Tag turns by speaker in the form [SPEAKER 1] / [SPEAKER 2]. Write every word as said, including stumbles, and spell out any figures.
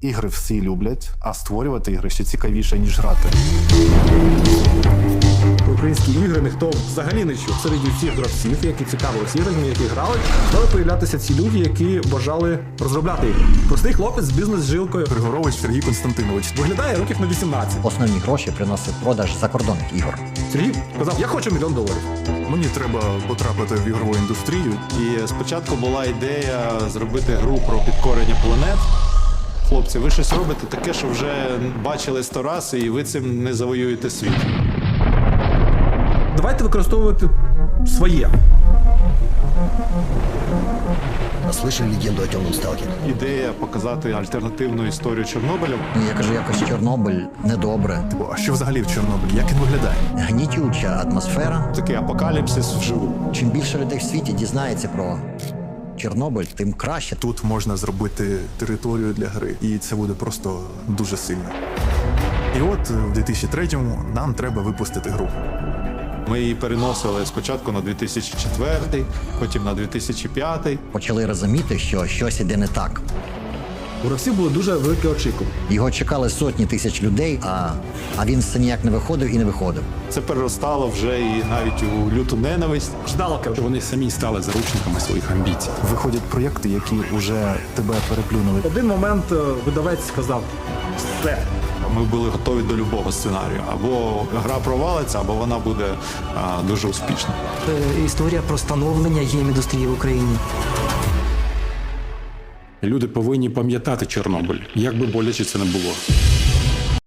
[SPEAKER 1] Ігри всі люблять, а створювати ігри ще цікавіше, ніж грати.
[SPEAKER 2] Українські ігри ніхто взагалі не чув. Серед всіх гравців, які цікавилися іграми, які грали, стали появлятися ці люди, які бажали розробляти ігри. Простий хлопець з бізнес-жилкою.
[SPEAKER 1] Григорович Сергій Константинович.
[SPEAKER 2] Виглядає років на вісімнадцять.
[SPEAKER 3] Основні гроші приносив продаж закордонних ігор.
[SPEAKER 2] Сергій казав, я хочу мільйон доларів.
[SPEAKER 1] Мені треба потрапити в ігрову індустрію.
[SPEAKER 4] І спочатку була ідея зробити гру про підкорення планет. Хлопці, ви щось робите таке, що вже бачили сто раз, і ви цим не завоюєте світ.
[SPEAKER 2] Давайте використовувати своє.
[SPEAKER 5] Слышали легенду о темном сталкере?
[SPEAKER 4] Ідея показати альтернативну історію Чорнобиля.
[SPEAKER 3] Ну, я кажу, якось Чорнобиль недобре.
[SPEAKER 1] А що взагалі в Чорнобилі? Як він виглядає?
[SPEAKER 3] Гнітюча атмосфера.
[SPEAKER 4] Такий апокаліпсис вживу.
[SPEAKER 3] Чим більше людей в світі дізнається про Чорнобиль, тим краще.
[SPEAKER 1] Тут можна зробити територію для гри, і це буде просто дуже сильно. І от в дві тисячі третьому нам треба випустити гру.
[SPEAKER 4] Ми її переносили спочатку на дві тисячі четвертий, потім на дві тисячі п'ятий.
[SPEAKER 3] Почали розуміти, що щось іде не так.
[SPEAKER 2] У гравців були дуже великі очікування.
[SPEAKER 3] Його чекали сотні тисяч людей, а, а він все ніяк не виходив і не виходив.
[SPEAKER 4] Це переростало вже і навіть у люту ненависть.
[SPEAKER 2] Ждалка.
[SPEAKER 6] Вони самі стали заручниками своїх амбіцій.
[SPEAKER 1] Виходять проєкти, які вже тебе переплюнули.
[SPEAKER 2] В один момент е, видавець сказав, все.
[SPEAKER 4] Ми були готові до любого сценарію. Або гра провалиться, або вона буде а, дуже успішна.
[SPEAKER 7] Е, Історія про становлення гейм-індустрії в Україні.
[SPEAKER 6] Люди повинні пам'ятати Чорнобиль, як би боляче це не було.